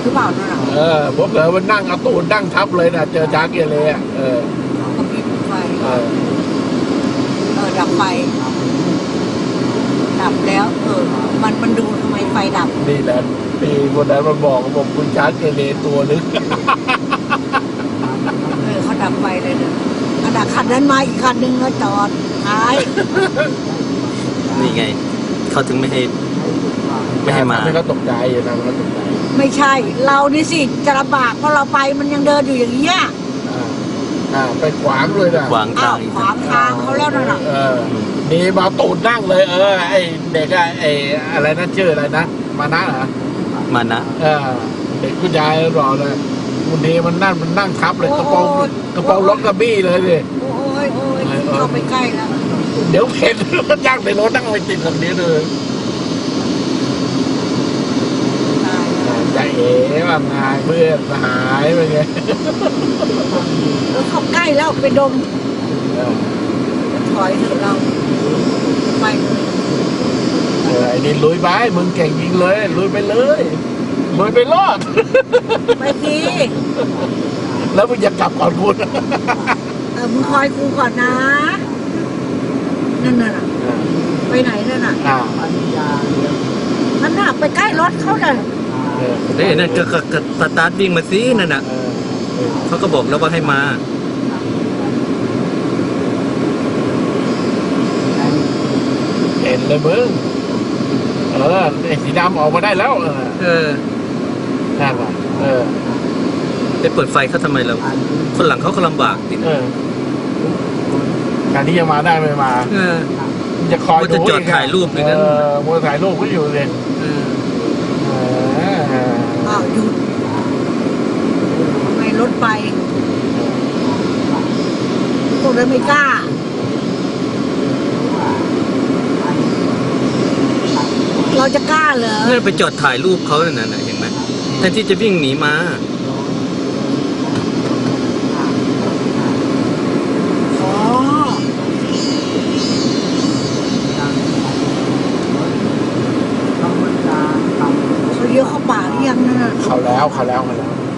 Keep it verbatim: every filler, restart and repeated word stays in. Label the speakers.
Speaker 1: หรือเปล่านั่นน่ะ
Speaker 2: เออผมเผลอมันนั่งเอาตูดนั่งทับเลยนะเจอช้างเกเรอ่ะเออ
Speaker 1: เขาก็มีไฟ
Speaker 2: เออ
Speaker 1: เออดับไฟดับแล้วเออมันมันดูทำไมไฟดับ
Speaker 2: นี่แหละพี่คนนั้นมันบอกบอกคุณช้างเกเรตัวนึง
Speaker 1: เออเขาดับไฟเลยเนี่ยขณะคันนั้นมาอีกคันนึงแล้วจอดท้าย
Speaker 3: นี่ไง เขาถึงไม่ให้ไม่ให้มา
Speaker 2: ไม่ก็ตกใจอยู่นะมันก็ตกใจ
Speaker 1: ไม่ใช่ เรานี่สิจะลำบากเพราะเราไปมันยังเดินอยู่อย่างเงี้ย
Speaker 2: อ่าอ่าไปขวางเลยนะ
Speaker 3: ขวาง
Speaker 1: อ้า
Speaker 3: ทาว งอีก
Speaker 1: ขวางทางเขาแล้วนั่นน่ะ
Speaker 2: เออนี่มาตูดนั่งเลย เออไอเด็กอะไออะไรนะชื่ออะไรนะมานะเหรอ
Speaker 3: มานะ
Speaker 2: เออเด็กคุณยายบอกเลยวันนี้มันนั่งมันนั่งทับเลยกระโปรงกระโปรงรถกระบี้เลยดิ
Speaker 1: โอ้ยโอ้ยเข้าไปใกล้แล้ว
Speaker 2: เดี๋ยวเห็นรถย่างในรถนั่งไปติดแบบนี้เลย
Speaker 1: ตายแล้ว
Speaker 2: ใจเอ๋ว่าไงเพื่อนหายไปไง
Speaker 1: เออเข้าใกล้แล้วไปดม
Speaker 2: เออ
Speaker 1: ถอยเถอะเราไปเลย
Speaker 2: เออไอ้นี่ลุยไปมึงเก่งยิงเลยลุยไปเลยลุยไปรอด
Speaker 1: ไปที
Speaker 2: แล้วมึงอย่ากลับก่อนคุณ
Speaker 1: เออมึงคอยกูก่อนนะนั่นน่ะไปไหนนั่นน่ะ
Speaker 2: อ่า
Speaker 1: นั่นน่ะไปใกล้รถเขาเลย
Speaker 2: เออ
Speaker 3: เฮ้ยนั่นก็ก็ก็สตาร์ทวิ่งมาสินั่นน่ะ
Speaker 2: เออเออ
Speaker 3: เขาก็บอกแล้วว่าให้มา
Speaker 2: เห็นเลยมึงเออไอ้สีดำออกมาได้แล้วเออ
Speaker 3: เออ
Speaker 2: นั่นว่ะเออ
Speaker 3: ไปเปิดไฟเขาทำไมเราคนหลังเขาก็ลำบากดิ
Speaker 2: เออการที่จะมาได้ไม่มา
Speaker 3: เออ
Speaker 2: จะคอย
Speaker 3: ว่าจะจอดถ่ายรูปเลยนะ
Speaker 2: เออมัวถ่ายรูปก็อยู่เลย
Speaker 3: เออ
Speaker 2: เออ
Speaker 1: อ้าวหยุดทำไมรถไปพวกนั้นไม่กล้า เราจะกล้าเหรอ
Speaker 3: เนี่ยไปจอดถ่ายรูปเขาเนี่ยนะเห็นไหมแทนที่จะวิ่งหนีมา
Speaker 1: อ๋อเขาเลี้ยวเข้าป่าหรือยังนั่นน่ะ
Speaker 2: เขาแล้วเขาแล้วเขาแล้ว